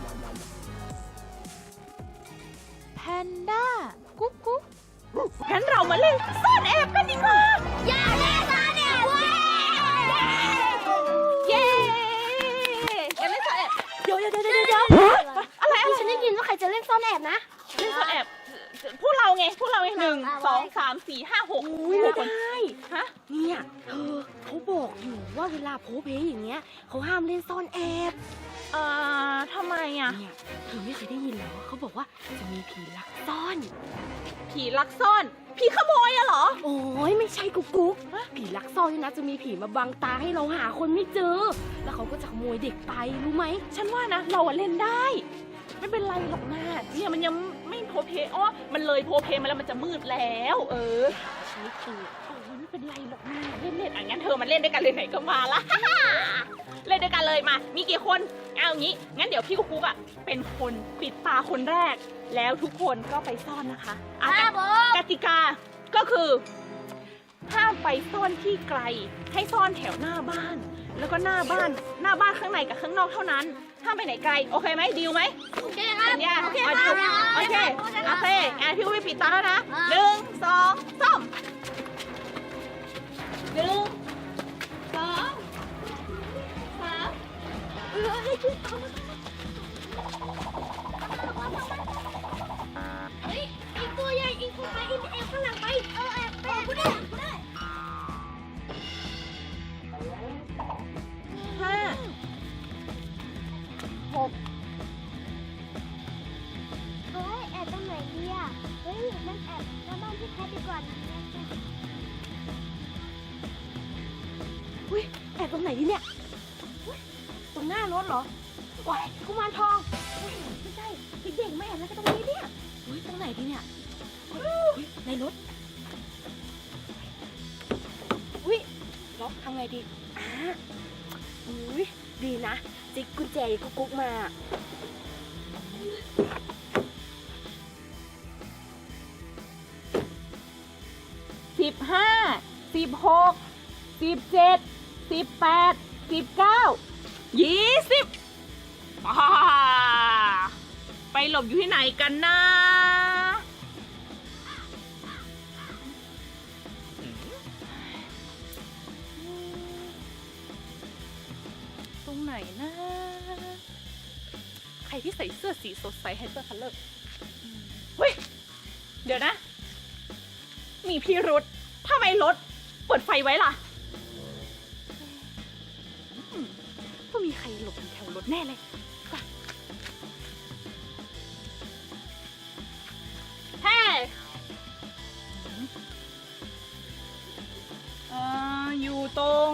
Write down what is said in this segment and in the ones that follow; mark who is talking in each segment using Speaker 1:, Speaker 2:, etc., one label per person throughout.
Speaker 1: แพนด้ากุ๊กกุ๊ก
Speaker 2: งั้นเรามาเล่นซ่อนแอบกันดีกว่า
Speaker 3: อย่าเล่นซ่อนแอบเว้ย
Speaker 2: เย้กันเล่นซ่อนแอบเดี๋ยว
Speaker 3: อะไรฉันได้ยินว่าใครจะเล่นซ่อนแอบนะ
Speaker 2: เล่นซ่อนแอบพวกเราไง1 2 3 4 5 6
Speaker 4: ไม่ได้
Speaker 2: ฮะ
Speaker 4: เนี่ยเขาบอกอยู่ว่าเวลาโพเพอย่างเงี้ยเขาห้ามเล่นซ่อนแอบ
Speaker 2: ทำไมอ่ะ
Speaker 4: เนี่ยเธอไม่เคยได้ยินเหรอเขาบอกว่าจะมีผีลักซ่อน
Speaker 2: ผีลักซ่อนผีขโมยอะเหรอ
Speaker 4: โอ้ยไม่ใช่กุ๊กผีลักซ่อนนี่นะจะมีผีมาบังตาให้เราหาคนไม่เจอแล้วเขาก็จะขโมยเด็กไปรู้ไหม
Speaker 2: ฉันว่านะเราเล่นได้ไม่เป็นไรหรอกนะเนี่ยมันยังไม่โพเพมันเลยโพเพมาแล้วมันจะมืดแล้ว
Speaker 4: ใช่คือ
Speaker 2: ไม่เป็นไรหรอกนะเล่นงั้นเธอมาเล่นด้วยกันเลยไหนก็มาละ เล่นด้วยกันเลยมามีกี่คนเอางี้งั้นเดี๋ยวพี่กุ๊กเป็นคนปิดตาคนแรกแล้วทุกคนก็ไปซ่อนนะคะกติกาก็คือห้ามไปซ่อนที่ไกลให้ซ่อนแถวหน้าบ้านแล้วก็หน้าบ้านข้างในกับข้างนอกเท่านั้นห้ามไปไหนไกลโอเคไหมดีลไหม
Speaker 3: โอเคครับ
Speaker 2: โอเคพี่อุ้ยปิดตาแล้วนะ1 2 3 1 2 3
Speaker 3: เฮ้ยอีกตัวใหญ่อีกตัวไปอีกแอบข้างหลังไปแอบกูได้
Speaker 2: 5 6
Speaker 3: เฮ้ยแอบตรงไหนดีอ่ะเฮ้ยนั่นแอบหน้าบ้านพี่แพทดีกว่านะ
Speaker 4: อุ้ยแอบตรงไหนดีเนี่ยตรงหน้ารถเหรอว้ายกุมารทองไม่ใช่เด็กๆไม่แอบแล้วก็ตรงนี้เนี่ยอุ้ยตรงไหนดีเนี่ยในรถอุ้ยล็อกทำไงดีอุ้ยดีนะจิกกุญแจกุ๊กมา
Speaker 2: 15 16 17 18 19 20ไปหลบอยู่ที่ไหนกันนะตรงไหนนะใครที่ใส่เสื้อสีสดใสไฮเปอร์คัลเลอร์เฮ้ยเดี๋ยวนะมีพิรุธทำไมรถเปิดไฟไว้ล่ะต้องมีใครหลบอยู่แถวรถแน่เลยเฮ้อยู่ตรง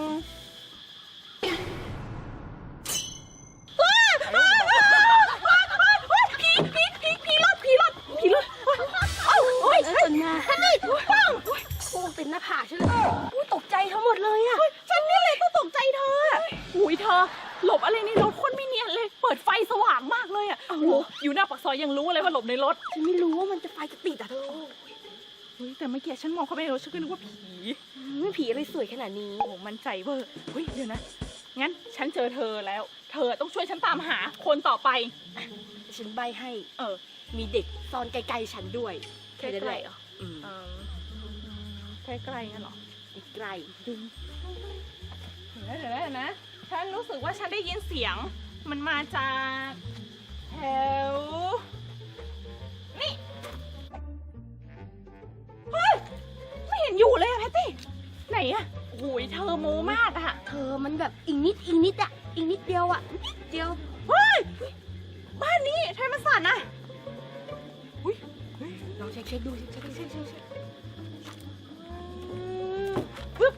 Speaker 2: ผีรถโอ้ย
Speaker 4: ตื่นมา
Speaker 2: ฉันนี่ปัง
Speaker 4: โอ้ติดหน้าผากฉันเลยตกใจทั้งหมดเลยอะ
Speaker 2: ฉันนี่เลยต้องตกใจเธออุ้ยเธอหลบอะไรในรถคนไม่เนียนเลยเปิดไฟสว่างมากเลยอ่ะโอ้โหอยู่หน้าปากซอยยังรู้เลยว่าหลบในรถ
Speaker 4: ฉันไม่รู้ว่ามันจะไฟจะติดอ่ะเธอ
Speaker 2: เฮ้ยแต่เมื่อกี้ฉันมองเข้าไปในรถฉันก็นึกว่าผี
Speaker 4: ไม่ผีอะไรสวยขนาดนี้
Speaker 2: โอ้มันใจเวอร์เฮ้ยเดี๋ยวนะงั้นฉันเจอเธอแล้วเธอต้องช่วยฉันตามหาคนต่อไป
Speaker 4: ฉันใบให้มีเด็กซ่อนใกล้ๆฉันด้วย
Speaker 2: ใกล้ๆเหรอใกล้ๆงั้นเหรอ
Speaker 4: ใกล้
Speaker 2: เดี๋ยวนะฉันรู้สึกว่าฉันได้ยินเสียงมันมาจากแถวนี่เฮ้ยไม่เห็นอยู่เลยอะแพตตี้ไหนอะโอ้ยเธอโมมากอะ
Speaker 4: เธอมันแบบอีกนิดอะอีกนิดเดียวอะนิดเดียว
Speaker 2: เฮ้ยบ้านนี้ทำไมมันสั่นอะ
Speaker 4: ลองเช็คดูเช็ค
Speaker 2: ปึ๊บ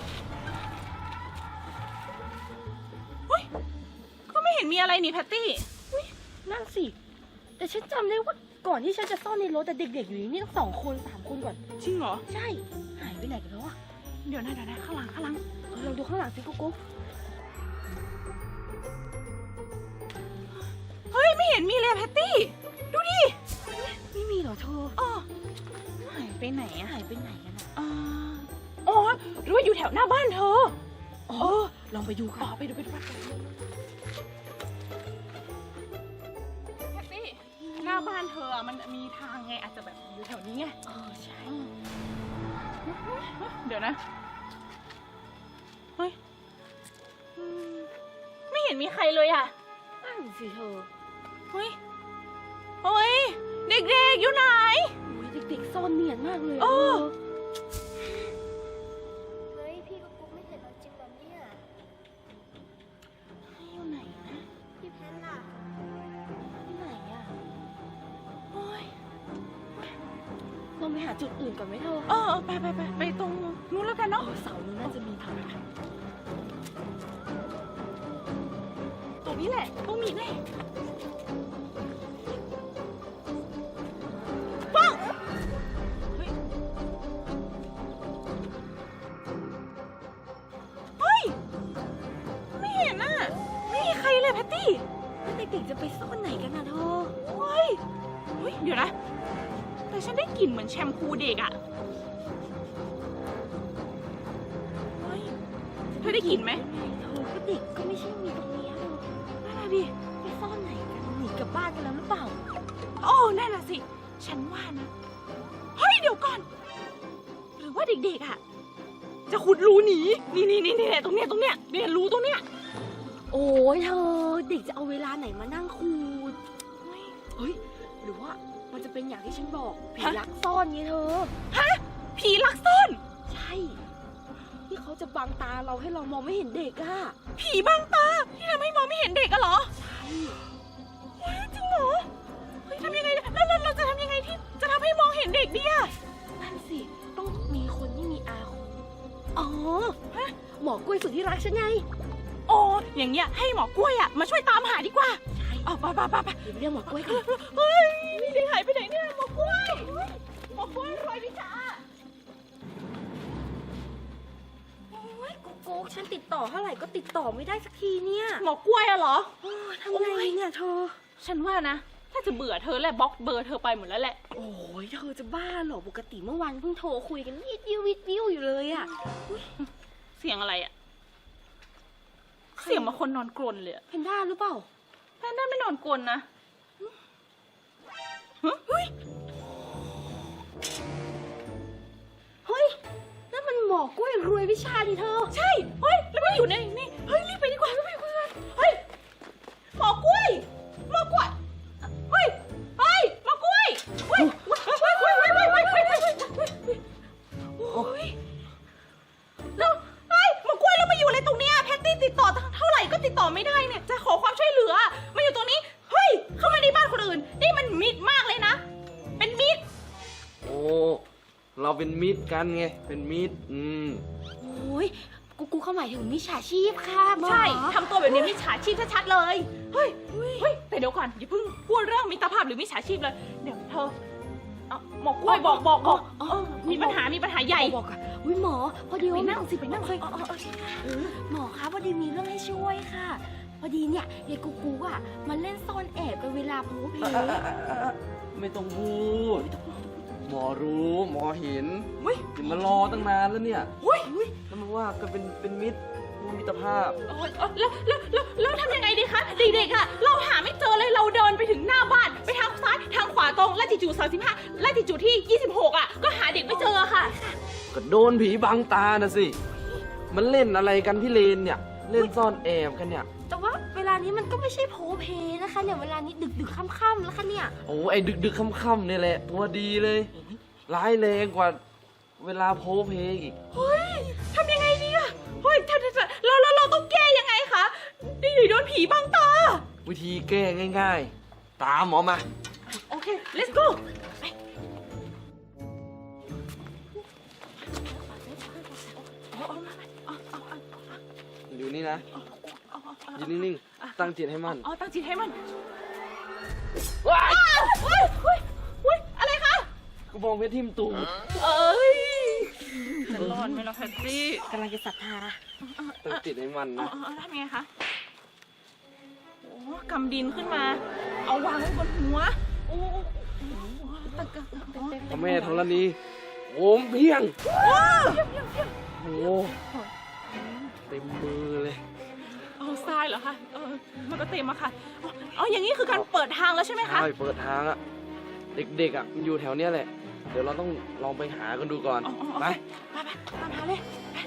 Speaker 2: เฮ้ยก็ไม่เห็นมีอะไรนี่แพตตี้
Speaker 4: นั่นสิแต่ฉันจำได้ว่าก่อนที่ฉันจะซ่อนในรถแต่เด็กๆอยู่นี่ต้อง2 คน 3 คนก่อน
Speaker 2: จริงเหรอ
Speaker 4: ใช่หายไปไหนกันแล้วอะ
Speaker 2: เดี๋ยวนะข้างหลัง
Speaker 4: เราดูข้างหลังสิกุ๊ก
Speaker 2: เฮ้ยไม่เห็นมีเลยแพตตี้ดูดิ
Speaker 4: ไม่มีเหรอเธอ
Speaker 2: หายไปไหนอะ
Speaker 4: หายไปไหนกันอะ
Speaker 2: อ๋อหรือว่าอยู่แถวหน้าบ้านเธอ
Speaker 4: ลองไปดูค่ะ
Speaker 2: ไปดูบ้านเธอมันมีทางไงอาจจะแบบอยู่แถวนี้ไง
Speaker 4: ใช่
Speaker 2: เดี๋ยวนะเฮ้ยไม่เห็นมีใครเลยอ่ะ
Speaker 4: นั่นสิเธอ
Speaker 2: เฮ้ยเด็กๆอยู่ไหน
Speaker 4: เด็กๆซ่อนเนียนมากเลย
Speaker 2: เออ
Speaker 3: เฮ้ยพี่ก็กุ๊กไม่เห็นเราจริงเหรอเนี่ย
Speaker 2: อยู่ไหนนะ
Speaker 3: พี่แพนล่ะ
Speaker 4: ที่ไหนอ่ะ
Speaker 2: โอ้ย
Speaker 4: เราไปหาจุดอื่นก่อนไหมเธอ
Speaker 2: ไปตรงนู้นแล้วกันเนาะ
Speaker 4: เสานู้นน่าจะมีทาง
Speaker 2: ตรงนี้แหละต้องมีแน่ปังเฮ้ยไม่เห็นน่ะไม่มีใครเลยแพตตี้
Speaker 4: แล้วเด็กๆจะไปซ่อนไหนกันนะเธอ
Speaker 2: เฮ้ยเดี๋ยวนะ แต่ฉันได้กลิ่นเหมือนแชมพูเด็กอะเฮ้ยเธอได้กลิ่นไหม
Speaker 4: เธอก็เด็กก็ไม่ใช่มีตรงนี้เธอ
Speaker 2: นั่นน่ะดิ
Speaker 4: ไปซ่อนไหนกันหนีกลับบ้านกันแล้วหรือเปล่า
Speaker 2: โอ้นั่นน่ะสิ ฉันว่านะ เฮ้ย เดี๋ยวก่อน หรือว่าเด็กๆอะจะขุดรูหนี นี่ตรงเนี้ยเนี่ยรูตรงเนี้ย
Speaker 4: โอ้ยเธอเด็กจะเอาเวลาไหนมานั่งคูดเฮ้ยหรือว่ามันจะเป็นอย่างที่ฉันบอกผีลักซ่อนไงเธอ
Speaker 2: ผีลักซ่อน
Speaker 4: ใช่ที่เขาจะบังตาเราให้เรามองไม่เห็นเด็กอะ
Speaker 2: ผีบังตา ที่ทำให้มองไม่เห็นเด็กอะเหรอ
Speaker 4: ใช่
Speaker 2: เฮ้ยจริงเหรอ เฮ้ยทำยังไงแล้วเราจะทำยังไงที่จะทำให้มองเห็นเด็กดิอะ
Speaker 4: นั่นสิต้องมีคนที่มีอาคม
Speaker 2: อ๋อ
Speaker 4: หมอกล้วยสุดที่รักฉันไง
Speaker 2: โอ้อย่างเงี้ยให้หมอกล้วยอะมาช่วยตามหาดีกว่า
Speaker 4: ใช่
Speaker 2: อ๋อไป
Speaker 4: เดี๋ยวเรียกหมอกล้วยกัน
Speaker 2: เฮ้ยเด็กหายไปไหนเนี่ยหมอกล้วยหมอกล้วยรอยวิชา
Speaker 4: โอ้ยกุ๊กฉันติดต่อเท่าไหร่ก็ติดต่อไม่ได้สักทีเนี่ย
Speaker 2: หมอกล้วยอะเหรอ
Speaker 4: โอ้ทำไงเนี่ยเธอ
Speaker 2: ฉันว่านะ ถ้าจะเบื่อเธอแหละบล็อกเบอร์เธอไปหมดแล้วแหละ
Speaker 4: โอ้ยเธอจะบ้าเหรอปกติเมื่อวานเพิ่งโทรคุยกันวิดวิวอยู่เลยอะ
Speaker 2: เสียงอะไรอะเสียงมาคนนอนกรนเลยอะ
Speaker 4: เพนด้าหรือเปล่า
Speaker 2: แพนด้าไม่นอนกรนนะเฮ้ย
Speaker 4: เฮ้ยนั่นมันหมอกล้วยรวยวิชาดิเธอ
Speaker 2: ใช่ เฮ้ย แล้วมันอยู่ในนี่ เฮ้ย รีบไปดีกว่ารีบไปคุยกันเฮ้ย หมอกล้วย เฮ้ย หมอกล้วยเฮ้ยโอ้ยแล้วเฮ้ย หมอกล้วยแล้วมาอยู่อะไรตรงเนี้ยแพตตี้ติดต่อเท่าไหร่ก็ติดต่อไม่ได้เนี่ย จะขอความช่วยเหลือ มาอยู่ตรงนี้ เฮ้ย เข้ามาในบ้านคนอื่น นี่มันมิดมากเลยนะ เป็นมิด
Speaker 5: โอ้ เราเป็นมิตรกันไง เป็นมิตร
Speaker 4: โอ้ยกูเข้าหมายถึงมิจฉาชีพค่ะหมอ
Speaker 2: ใช่ ทำตัวแบบนี้มิจฉาชีพชัดๆเลย เฮ้ย แต่เดี๋ยวก่อนอย่าเพิ่งพูดเรื่องมิตรภาพหรือมิจฉาชีพเลย เดี๋ยวเธอเอาหมอกล้วยบอกมีปัญหาใหญ่
Speaker 4: บอกอะอุ้ยหมอพอดี
Speaker 2: ไป
Speaker 4: ว่า
Speaker 2: นั่งสิไปนั่ง
Speaker 4: หมอคะพอดีมีเรื่องให้ช่วยค่ะ พอดีเนี่ยยายกูอะมาเล่นซ่อนแอบกันเวลาโพเพ
Speaker 5: ไม่ต้องพูด หมอรู้ หมอเห็น
Speaker 2: เฮ้ย
Speaker 5: ถึงมารอตั้งนานแล้วเนี่ย
Speaker 2: เฮ้ย
Speaker 5: แล้วมันว่าก็เป็นมิตรมิตรภาพ
Speaker 2: แล้วทำยังไงดีคะเด็กๆอะเราหาไม่เจอเลยเราเดินไปถึงหน้าบ้านไปทางซ้ายทางขวาตรงลาติจูด35ลาติจูดที่26อะก็หาเด็กไม่เจอค่ะ
Speaker 5: ก็โดนผีบังตานะสิ มันเล่นอะไรกันพี่เลนเนี่ย เล่นซ่อนแอบกันเนี่ย
Speaker 4: แต่ว่าเวลานี้มันก็ไม่ใช่โพเพนะคะเนี่ยเวลานี้ดึกค่ำๆแล้วค่ะเนี่ย
Speaker 5: โอ้ไอ้ดึกค่ำๆเนี่ยแหละ ตัวดีเลย ร้ายแรงกว่าเวลาโพเพอีก
Speaker 2: เฮ้ยทำยังไงดีอะเฮ้ยเราต้องแก้ยังไงคะนี่โดนผีบังตา
Speaker 5: วิธีแก้ง่ายๆ ตามหมอมา
Speaker 2: โอเค let's go ไป
Speaker 5: อยู่นี่นะยืนนิ่งๆ ตั้งจิตให้มั่น
Speaker 2: อ๋อ ตั้งจิตให้มัน
Speaker 5: ว้าย
Speaker 2: เฮ้ย อะไรคะ
Speaker 5: กระบองเพชรทิ่มตูด
Speaker 2: เอ้ยจะรอดไหมล่ะแพตตี้
Speaker 4: กำลังจะศรัทธา
Speaker 5: ตั้งจิตให้มั่นนะ
Speaker 2: ทำยังไงคะ โอ้กำดินขึ้นมา เอาวางไว้บนหัว โอ้ตะกะ
Speaker 5: พระแม่ธรณีโอมเพียง โอ้เต็มมือเลย
Speaker 2: เอาทรายเหรอคะมันก็เต็มอะค่ะอ๋ออย่างนี้คือการเปิดทางแล้วใช่ไหมคะ
Speaker 5: ใช่เปิดทางอะเด็กๆอะมันอยู่แถวเนี้ยแหละ เดี๋ยวเราต้องลองไปหากันดูก่อน
Speaker 2: อ๋อ
Speaker 5: ไป
Speaker 2: ไปตามหาเลย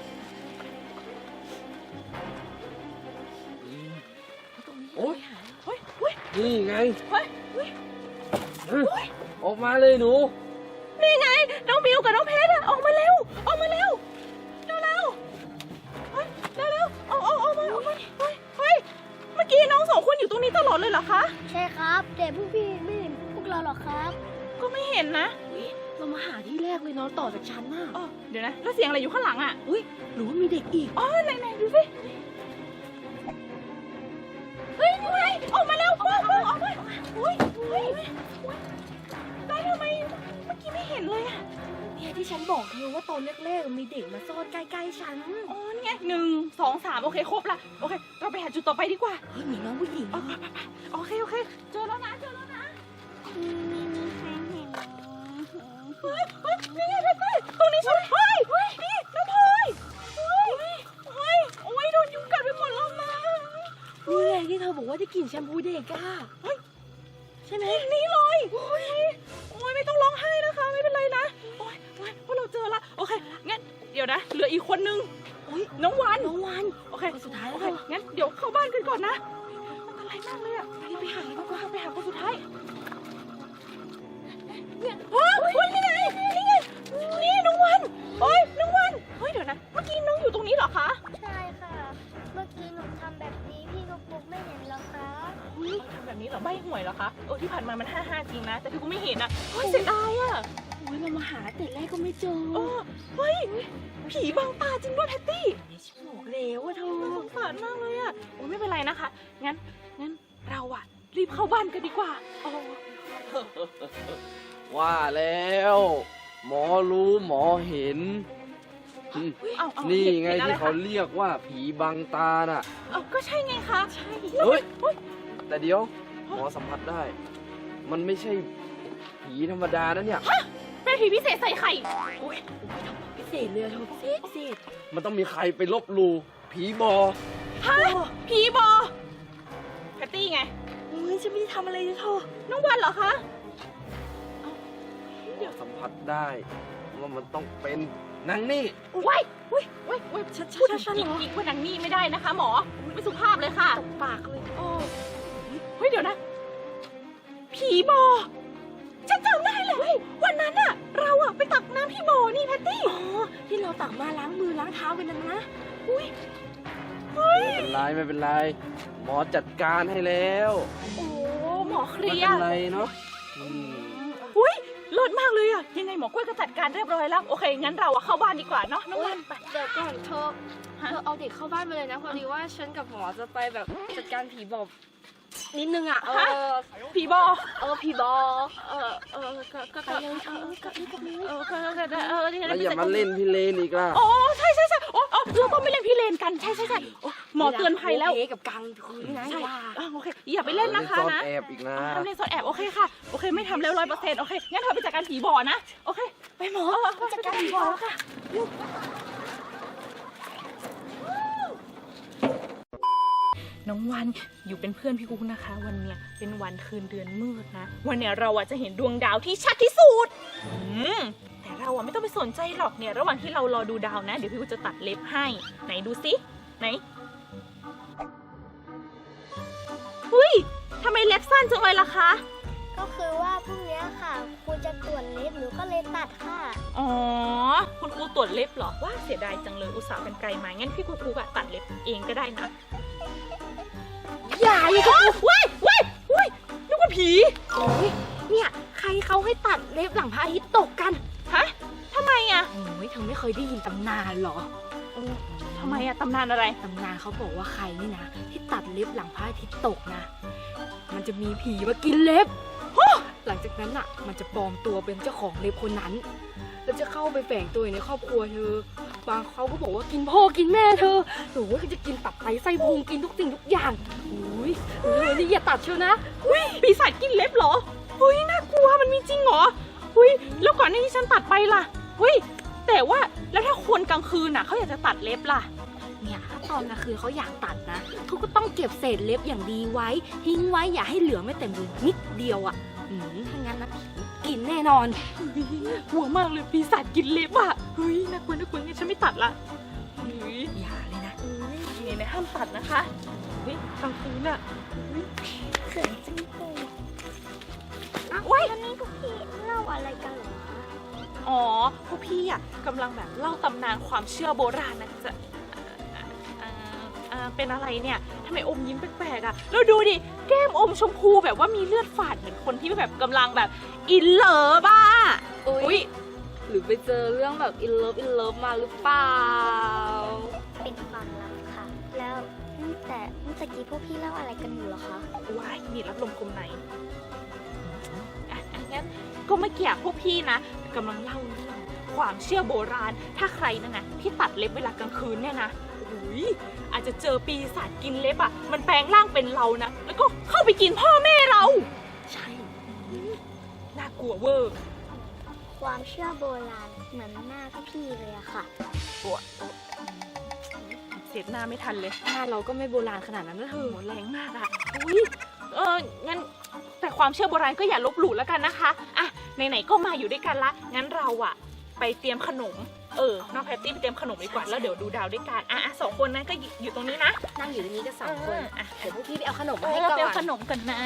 Speaker 5: โอ๊ย
Speaker 2: เฮ้ยเฮ้ย
Speaker 5: นี่ไง
Speaker 2: เฮ้ยเฮ้ย
Speaker 5: ออกมาเลยหนู
Speaker 2: นี่ไงน้องบิวกับน้องเพชรอะออกมาเร็วออกมาเร็วเร็วเร็วเฮ้ยเร็วเร็วออกมาเฮ้ยเมื่อกี้น้องสองคนอยู่ตรงนี้ตลอดเลยเหรอคะ
Speaker 3: ใช่ครับ แต่พวกพี่ไม่เห็นพวกเราหรอกครับ
Speaker 2: ก็ไม่เห็นนะ
Speaker 4: เรามาหาที่แรกเลยเนาะต่อจากชั้นน่ะ
Speaker 2: อ๋อเดี๋ยวนะแล้วเสียงอะไรอยู่ข้างหลังอะ
Speaker 4: อุ้ยหรือว่ามีเด็กอีก
Speaker 2: อ๋อไหนดูสิเฮ้ยนี่ไงออกมาแล้วออกมาเฮ้ยได้ทำไมเมื่อกี้ไม่เห็นเลยอะ
Speaker 4: เนี่ยที่ฉันบอกเธอว่าตอนแรกๆมีเด็กมาซ่อนใกล้ๆฉัน
Speaker 2: อ๋อนี่ไง1 2 3โอเคครบละโอเคเราไปหาจุดต่อไปดีกว่า
Speaker 4: เฮ้ยมีน้องผู้หญิง
Speaker 2: ไปโอเคเจอแล้วนะเฮ้ยนี่ไงเพชรตรงนี้ใช่ไหมเฮ้ยนี่น้องพลอยเฮ้ยโอ้ยโดนยุงกัดไปหมดแล้วนะ
Speaker 4: นี่ไงที่เธอบอกว่าจะกลิ่นแชมพูเด็กอะใช่ไหม
Speaker 2: นี่เลยโอ้ยไม่ต้องร้องไห้นะคะไม่เป็นไรนะโอ้ยเพราะเราเจอละโอเคงั้นเดี๋ยวนะเหลืออีกคนนึงน้องวัน โอเค
Speaker 4: คนสุดท้าย
Speaker 2: โอ
Speaker 4: แล้ว
Speaker 2: เคงั้นเดี๋ยวเข้าบ้านกันก่อนนะอันตรายมากเลยอะไปหาดีกว่าไปหาคนสุดท้ายเนี่ยเฮ้ยนี่ไงนี่น้องวันน้องวันเดี๋ยวนะเมื่อกี้น้องอยู่ตรงนี้เหรอคะ
Speaker 3: ใช่ค่ะ เมื่อกี้หนูทำแบบนี้พี่ลูกปุ๊กไม่เห็นหรอกครับ
Speaker 2: ทำแบบนี้เหรอใบหวยเหรอคะที่ผ่านมามัน55จริงนะแต่พี่กูไม่เห็นอะเสียดายอะ
Speaker 4: อุ้ยเรามาหาแต่แรกก็ไม่เจอ
Speaker 2: เฮ้ยผีบังตาจริงด้วยแพตตี้
Speaker 4: ฉันบอกแล้วว่าเธอ
Speaker 2: สงสารมากเลยอะไม่เป็นไรนะคะงั้นเราอะรีบเข้าบ้านกันดีกว่า
Speaker 5: ว่าแล้ว หมอรู้หมอเห็นนี่ไงที่เขาเรียกว่าผีบังตาน่ะ
Speaker 2: ก็ใช่ไงคะใช่
Speaker 5: เฮ้ย แต่เดี๋ยว หมอสัมผัสได้ มันไม่ใช่ผีธรรมดานะเนี่ย
Speaker 2: เป็นผีพิเศษใส่ไข่
Speaker 4: พิเศษเลยเธอพิเศษ
Speaker 5: มันต้องมีใครไปลบหลู่ผีบอ
Speaker 2: ฮะผีบอแพตตี้ไง
Speaker 4: อุ้ยฉันไม่ได้ทำอะไรเลยเธอ
Speaker 2: น้องวันเหรอคะ
Speaker 5: หมอสัมผัสได้ว่ามันต้องเป็นนางนี่
Speaker 2: ว้าย
Speaker 4: ชัด
Speaker 2: พูด
Speaker 4: ๆเหรอ
Speaker 2: กิ๊กว่านางนี่ไม่ได้นะคะ หมอไม่สุภาพเลยค่ะ
Speaker 4: ตบปากเลย
Speaker 2: เดี๋ยวนะ ผีบอฉันจำได้เลยวันนั้นอะเราอะไปตักน้ำพี่บอนี่แพตตี้
Speaker 4: อ๋อที่เราตักมาล้างมือล้างเท้ากันนะ
Speaker 5: ไม่เป็นไร หมอจัดการให้แล้ว
Speaker 2: โอ้หมอเค
Speaker 5: ไม่
Speaker 2: ลีย
Speaker 5: เป็น
Speaker 2: ร์
Speaker 5: ไรเนาะ
Speaker 2: เลิศมากเลยอะยังไงหมอกล้วยก็จัดการเรียบร้อยแล้วโอเคงั้นเราอะเข้าบ้านดีกว่าเนาะน้องวันไป
Speaker 6: เดี๋ยวก่อนเธอเอาเด็กเข้าบ้านมาเลยนะพอดีว่าฉันกับหมอจะไปแบบจัดการผีบอกนิดนึงอ่ะ
Speaker 2: ผีบอ
Speaker 6: ผีบอก
Speaker 2: ก็
Speaker 6: ไปเลยเธอกับนี่กับนี่
Speaker 5: แล้วอย่ามาเล่นพี่เลนอีกล่ะ
Speaker 2: อ๋อใช่เราต้องไม่เล่นพี่เลนกันใช่หมอเตือนภัยแล้ว
Speaker 6: โอเคกับกังคืนนะ
Speaker 2: ใช่
Speaker 6: ว่า
Speaker 2: โอเคอย่าไปเล่นนะคะ
Speaker 5: ซ่อน
Speaker 2: นะ
Speaker 5: แอบอีกนะ
Speaker 2: ทำเล่นซ่อนแอบโอเคค่ะโอเคไม่ทำแล้ว100%โอเคงั้นเธอไปจัดการผีบ่อนะโอเคไปหมอจัดการผีบ่อแล้วค่ะน้องวันอยู่เป็นเพื่อนพี่กุ๊กนะคะ วันเนี้ยเป็นวันคืนเดือนมืดนะวันเนี้ยเราอะจะเห็นดวงดาวที่ชัดที่สุดแต่เราอะไม่ต้องไปสนใจหรอกเนี่ยระหว่างที่เรารอดูดาวนะเดี๋ยวพี่กุ๊กจะตัดเล็บให้ไหนดูสิไหนอุ้ยทำไมเล็บสั้นจังเลยล่ะคะ
Speaker 3: ก็คือว่าพรุ่งนี้ค่ะครูจะตรวจเล็บหนูก็เลยตัดค่ะ
Speaker 2: อ๋อคุณครูตรวจเล็บเหรอว่าเสียดายจังเลยอุตส่าห์เป็นไกลมางั้นพี่ครูอะตัดเล็บเองก็ได้นะ
Speaker 4: อย่าเลยค่ะ
Speaker 2: ว้ายนึกว่าผี
Speaker 4: โอ้ยเนี่ยใครเขาให้ตัดเล็บหลังพระอาทิตย์ตกกัน
Speaker 2: ฮะทำไมอะ
Speaker 4: โอ้ยเธอไม่เคยได้ยินตำนานเหรอ
Speaker 2: ทำไมอะตำนานอะไร
Speaker 4: ตำนานเขาบอกว่าใครนี่นะที่ตัดเล็บหลังพระอาทิตย์ตกนะ มันจะมีผีมากินเล็บหลังจากนั้นอ่ะ มันจะปลอมตัวเป็นเจ้าของเล็บคนนั้น แล้วจะเข้าไปแฝงตัวอยู่ในครอบครัวเธอบางเขาก็บอกว่ากินพ่อกินแม่เธอหรือว่าจะกินตับไตไส้พุงกินทุกสิ่งทุกอย่างอุ้ยเธอนี่อย่าตัดเชียวนะ
Speaker 2: ปีศาจกินเล็บเหรอน่ากลัวมันมีจริงเหรอแล้วก่อนหน้าที่ฉันตัดไปล่ะแต่ว่าแล้วถ้าคนกลางคืนน่ะเขาอยากจะตัดเล็บล่ะ
Speaker 4: เนี่ยตตอนกลางคืนเขาอยากตัดนะเขาก็ต้องเก็บเศษเล็บอย่างดีไว้ทิ้งไว้อย่าให้เหลือไม่เต็มเลยนิดเดียวอ่ะถ้างั้นนะผีกินแน่นอน
Speaker 2: กลัวมากเลยปีศาจกินเล็บอ่ะเฮ้ยน่ากลัวน่ากลัวงั้นฉันไม่ตัดละเฮ้ย
Speaker 4: อย่าเลยนะ
Speaker 2: นี่นะห้ามตัดนะคะเฮ้ยกลางคืนอ่ะ
Speaker 3: เขินจังเลย
Speaker 2: ว้าย
Speaker 3: ตอนนี้พวกพี่เล่าอะไรกันเหรอคะ
Speaker 2: อ๋อพวกพี่อ่ะกำลังแบบเล่าตำนานความเชื่อโบราณนะจะเป็นอะไรเนี่ยทำไมอมยิ้มแปลกๆอ่ะแล้วดูดิแก้มอมชมพูแบบว่ามีเลือดฝาดเหมือนคนที่แบบกำลังแบบอินเลิฟอ่ะ
Speaker 6: อุ๊ย หรือไปเจอเรื่องแบบอินเลิฟมาหรือเปล่า
Speaker 3: เป็นความลับค่ะ แล้วแต่เมื่อกี้พวกพี่เล่าอะไรกันอยู่เหรอคะ
Speaker 2: ว้ายนี่รับลมคมในงั้นก็เมื่อกี้พวกพี่นะกำลังเล่าเรื่องความเชื่อโบราณถ้าใครนะที่ตัดเล็บเวลากลางคืนเนี่ยนะอุ้ยอาจจะเจอปีศาจกินเล็บอ่ะมันแปลงร่างเป็นเรานะแล้วก็เข้าไปกินพ่อแม่เราใช่น่ากลัวเวอร์
Speaker 3: ความเชื่อโบราณเหมือนหน้าพี่เลยอะค่ะ
Speaker 2: เสียหน้าไม่ทันเลย
Speaker 4: หน้าเราก็ไม่โบราณขนาดนั้นนะเธอ
Speaker 2: โหแรงมากอะอุ้ยงั้นแต่ความเชื่อโบราณก็อย่าลบหลู่แล้วกันนะคะอ่ะไหนๆก็มาอยู่ด้วยกันละงั้นเราอะไปเตรียมขนมน้องแพตตี้ไปเตรียมขนมดีกว่าแล้วเดี๋ยวดูดาวด้วยกันสองคนนั้นก็อยู่ตรงนี้นะ
Speaker 4: นั่งอยู่ตรงนี้กัน2 คน เดี๋ยวพวกพี่ไปเอาขนมมา
Speaker 2: ให้
Speaker 4: ให้
Speaker 2: เรา
Speaker 4: ก่อน
Speaker 2: เตรียมขนมกันนะ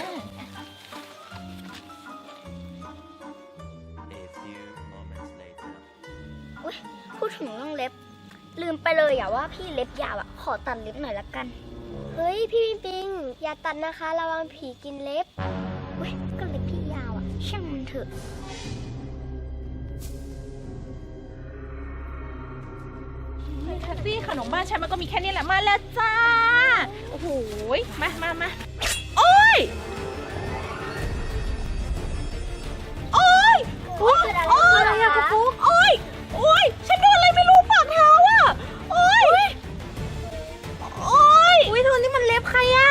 Speaker 7: A few moments later.
Speaker 3: พูดถึงเรื่องเล็บ ลืมไปเลยอะว่าพี่เล็บยาวอะขอตัดเล็บหน่อยละกัน เฮ้ยพี่ปิงอย่าตัดนะคะระวังผีกินเล็บเว้ยก็เล็บพี่ยาวอะช่างมันเถอะ
Speaker 2: แพตตี้ขนมบ้านฉันมันก็มีแค่นี้แหละมาแล้วจ้าโอ้โหมาโอ้ยโอ้ย
Speaker 3: โอ๊ยเกิดอะไรขึ้นเหรอคะ
Speaker 2: โอ้ยฉันโดนอะไรไม่รู้ปากเท้าอ่ะโอ้ยอุ้ยเธอนี่มันเล็บใครอ่ะ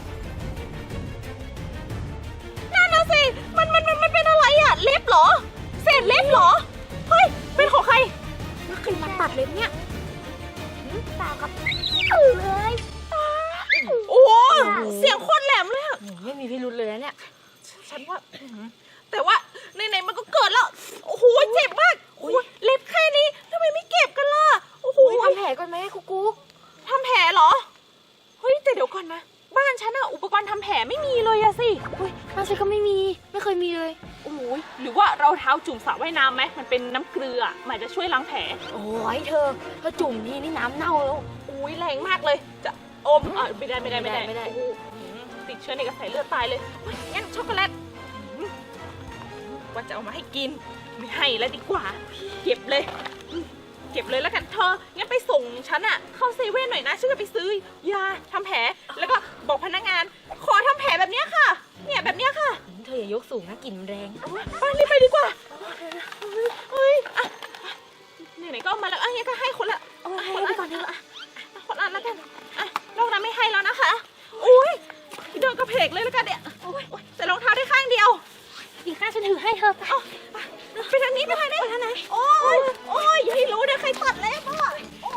Speaker 2: นั่นน่ะสิมันเป็นอะไรอ่ะเล็บเหรอเศษเล็บเหรอเฮ้ยเป็นของใคร
Speaker 4: แล้วใครมาตัดเล็บเนี่ย
Speaker 3: เปล่าครับเลย
Speaker 2: โอ้เสียงโคตรแหลมเลยอะ
Speaker 4: ไม่มีพิรุธเลยนะเนี่ย
Speaker 2: ฉันว่าแต่ว่าไหนๆมันก็เกิดแล้วโอ้โหเจ็บมากโอ้ยเล็บแค่นี้ทำไมไม่เก็บกันล่ะโอ้โห
Speaker 4: ทำแผลก่อนไหมกุ๊กกุ๊ก
Speaker 2: ทำแผลเหรอเฮ้ยแต่เดี๋ยวก่อนนะบ้านฉันอะอุปกรณ์ทำแผลไม่มีเลยอะสิ
Speaker 4: บ้านฉันก็ไม่เคยมีเลย
Speaker 2: โอ้ยหรือว่าเราเท้าจุ่มสระว่ายน้ำไหมมันเป็นน้ำเกลือมันอาจจะช่วยล้างแผล
Speaker 4: โอ้ยเธอจุ่มทีนี่น้ำเน่าแล้ว
Speaker 2: อุ้ยแรงมากเลยจะอมไม่ได้
Speaker 4: ไม่ได้
Speaker 2: โอ้โหติดเชื้อในกระแสเลือดตายเลยเฮ้ยงั้นช็อกโกแลตว่าจะเอามาให้กินไม่ให้แล้วดีกว่าเก็บเลยแล้วกันเธองั้นไปส่งฉันอะเข้าเซเว่นหน่อยนะฉันจะไปซื้อยาทำแผลแล้วก็บอกพนักงานขอทำแผลแบบเนี้ยค่ะเนี่ยแบบเนี้ยค่ะ
Speaker 4: เธออย่ายกสูงนะกลิ่นมันแรง
Speaker 2: ไปรีบไปดีกว่าเฮ้ยไหนๆก็เอามาแล้วงั้นก็ให้คนละ
Speaker 4: ให้ไปก่อนเถอะ
Speaker 2: คนละแล้วกันนอกนั้นไม่ให้แล้วนะคะอุ้ยเดินกระเพกเลยแล้วกันเนี่ยแต่รองเท้าได้ข้างเดียว
Speaker 4: อีกข้างฉันถือให้เธอ
Speaker 2: ไปทางนี้ไปทางไหนโอ้ยอย่าให้รู้นะใครตัดเล็บอ่ะ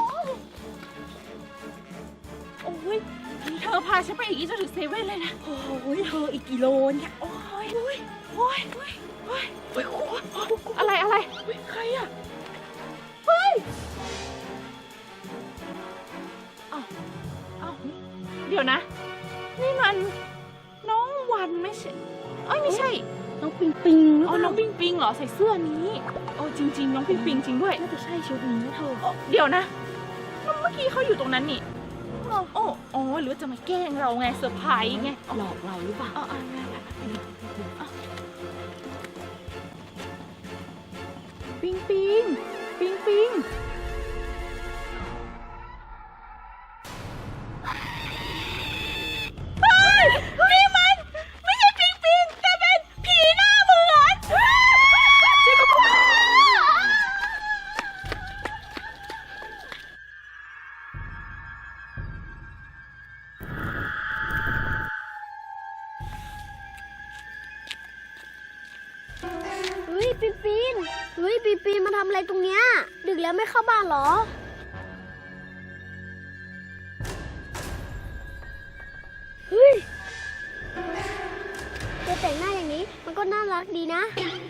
Speaker 2: โอ้ยเธอพาฉันไปอีกจนถึงเซเว่นเลยนะ
Speaker 4: โอ้ยเธออีกกิโลเนี่ย
Speaker 2: โอ้ยอะไรใครอ่ะเฮ้ยเดี๋ยวนะนี่มันน้องวันไม่ใช่ไม่ใช่
Speaker 4: น้องปิงปิง
Speaker 2: น้องปิงปิงเหรอใส่เสื้อนี้จริงๆน้องปิงปิงจริงด้วย
Speaker 4: น่าจะใช่ชุดนี้นะเธอ
Speaker 2: เดี๋ยวนะเมื่อกี้เขาอยู่ตรงนั้นนี่หรือว่าจะมาแกล้งเราไงเซอร์ไพรส์ไง
Speaker 4: หลอกเราหรือเปล่า
Speaker 2: ปิงนี่มันไม่ใช่ปิงแต่เป็นผีหน้าเหมือน
Speaker 3: เฮ้ยปีนมาทำอะไรตรงเนี้ยดึกแล้วไม่เข้าบ้านเหรอตัวแต่งหน้าอย่างนี้มันก็น่ารักดีนะ